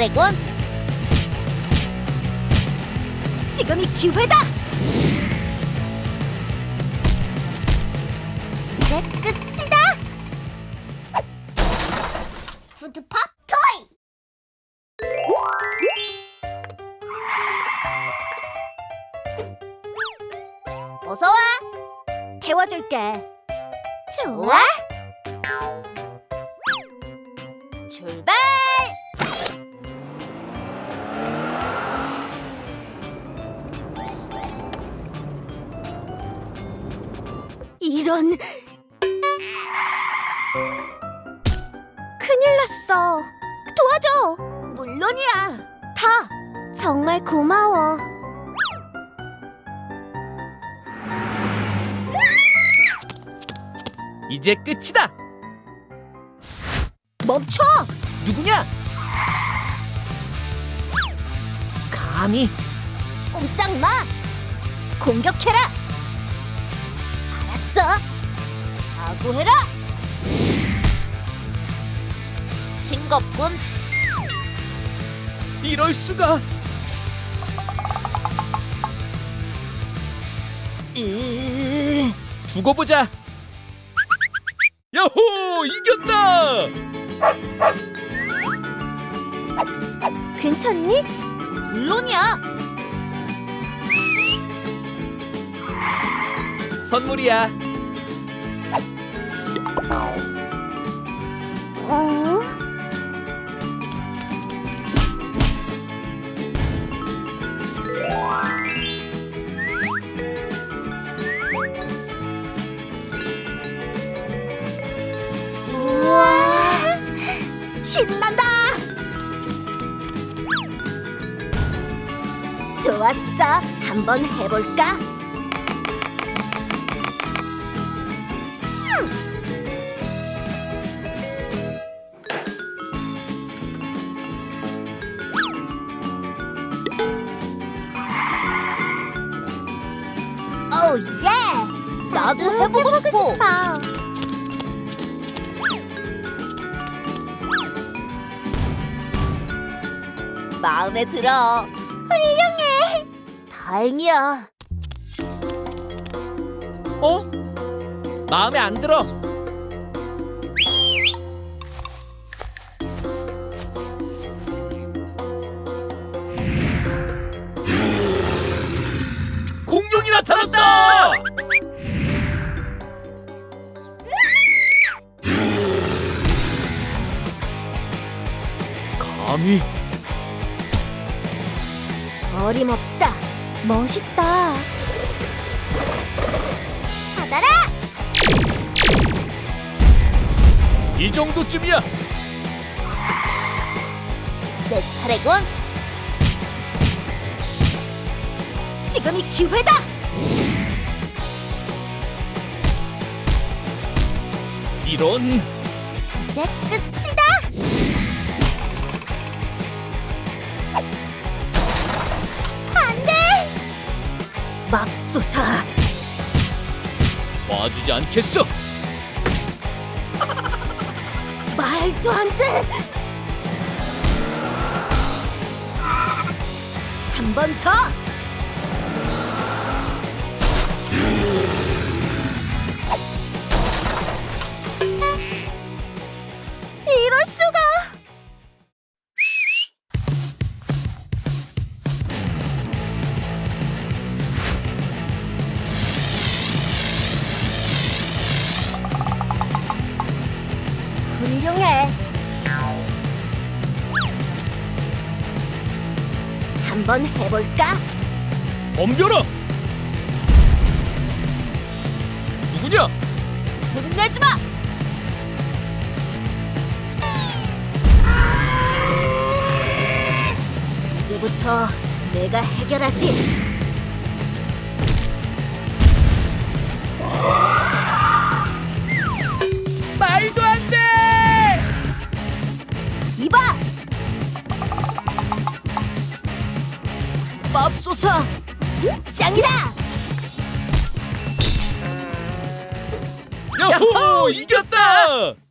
차례군. 지금이 기회다. 이제 끝이다. 푸드팝 토이. 어서 와. 태워줄게. 좋아. 출발. 이런. 큰일 났어. 도와줘. 물론이야. 다. 정말 고마워. 이제 끝이다. 멈춰. 누구냐? 감히 꼼짝 마. 공격해라. 알았어. 각오해라. 싱겁군. 이럴 수가. 두고 보자. 야호! 이겼다! 괜찮니? 물론이야. 선물이야. 어? 우와, 신난다. 좋았어. 한번 해볼까? 오 예! 나도 해보고 싶어. 마음에 들어. 훌륭해. 다행이야. 어? 마음에 안 들어. 공룡이 나타났다! 감히 어림없다. 멋있다. 받아라. 이 정도쯤이야. 내 차례군. 지금이 기회다. 이런. 이제 끝이다. 안 돼. 맙소사. 봐주지 않겠어. 말도 안 돼. 한 번 더. 이럴 수가. 훌륭해. 한번 해볼까? 덤벼라. 누구냐? 혼내지 마. 이제부터 내가 해결하지. 말도 안 돼. 이봐. 맙소사. 짱이다. 야호! 이겼다!